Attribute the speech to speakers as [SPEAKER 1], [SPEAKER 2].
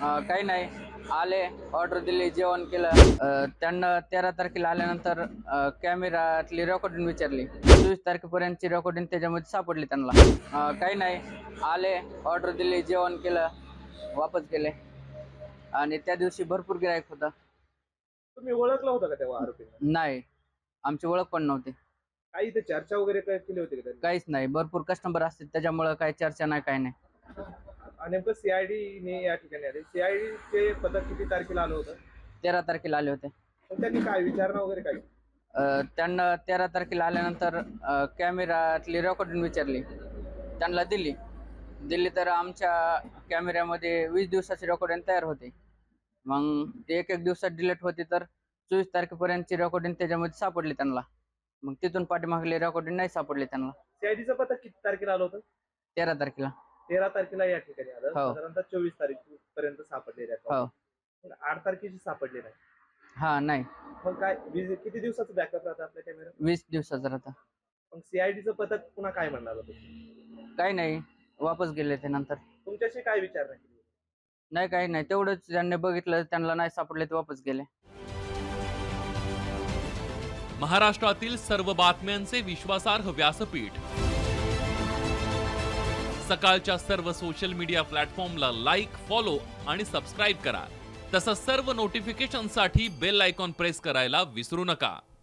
[SPEAKER 1] काही नाही, आले, ऑर्डर दिली, जेवण केलं. त्यांना 13 तारखेला आल्यानंतर कॅमेरातली रेकॉर्डिंग विचारली. 24 तारखेपर्यंतची रेकॉर्डिंग त्याच्यामध्ये सापडली त्यांना. काही नाही, आले, ऑर्डर दिली, जेवण केलं, वापस गेले. आणि त्या दिवशी भरपूर गिराईक होता.
[SPEAKER 2] तुम्ही ओळखला होता का तेव्हा आरोपींना?
[SPEAKER 1] नाही, आमची ओळख पण नव्हती.
[SPEAKER 2] काही इथे चर्चा वगैरे काय केली होती का त्यांनी?
[SPEAKER 1] काहीच नाही, भरपूर कस्टमर असतात त्याच्यामुळं काही चर्चा नाही, काही नाही.
[SPEAKER 2] नेमकं सीआयडी ने या ठिकाणी आले. सीआयडी चे पथक किती तारखेला आलं होतं?
[SPEAKER 1] 13 तारखेला आले होते.
[SPEAKER 2] पण त्यांनी काय विचारणा वगैरे काय?
[SPEAKER 1] त्यांना 13 तारखेला आल्यानंतर कॅमेरातली रेकॉर्डिंग विचारली, त्यांना दिली तर आमच्या कॅमेऱ्यामध्ये 20 दिवसाची रेकॉर्डिंग तयार होते. मग ते एक दिवसात डिलीट होती, तर 24 तारखेपर्यंतची रेकॉर्डिंग त्याच्यामध्ये सापडली त्यांना. मग तिथून पाठीमागली रेकॉर्डिंग नाही सापडली त्यांना.
[SPEAKER 2] सीआयडीचं पथक किती तारखेला आलं होतं?
[SPEAKER 1] 13 तारखेला.
[SPEAKER 2] 13 तारखेला या ठिकाणी आलं.
[SPEAKER 1] हो.
[SPEAKER 2] साधारणतः 24 तारीख पर्यंत सापडलेले आहेत.
[SPEAKER 1] हो.
[SPEAKER 2] पण 8 तारखेची सापडली नाही.
[SPEAKER 1] हा, नाही,
[SPEAKER 2] मग काय किती दिवसाचं बॅकअप राहतं आपल्या कॅमेरा?
[SPEAKER 1] 20 दिवसाचा राहता.
[SPEAKER 2] मग सीआयडीचं पथक पुन्हा काय म्हणणार होतं?
[SPEAKER 1] काही नाही, वापस गेले ते नंतर.
[SPEAKER 2] तुमच्याशी काय विचारणा केली?
[SPEAKER 1] नाही, काही नाही, तेवढंच ज्यांनी बघितलं त्यांना नाही सापडले ते वापस गेले.
[SPEAKER 3] महाराष्ट्रातील सर्व बातम्यांचे विश्वासार्ह व्यासपीठ, सकाळच्या सर्व सोशल मीडिया प्लॅटफॉर्मला लाईक, फॉलो आणि सबस्क्राईब करा. तसंच सर्व नोटिफिकेशनसाठी बेल आयकॉन प्रेस करायला विसरू नका.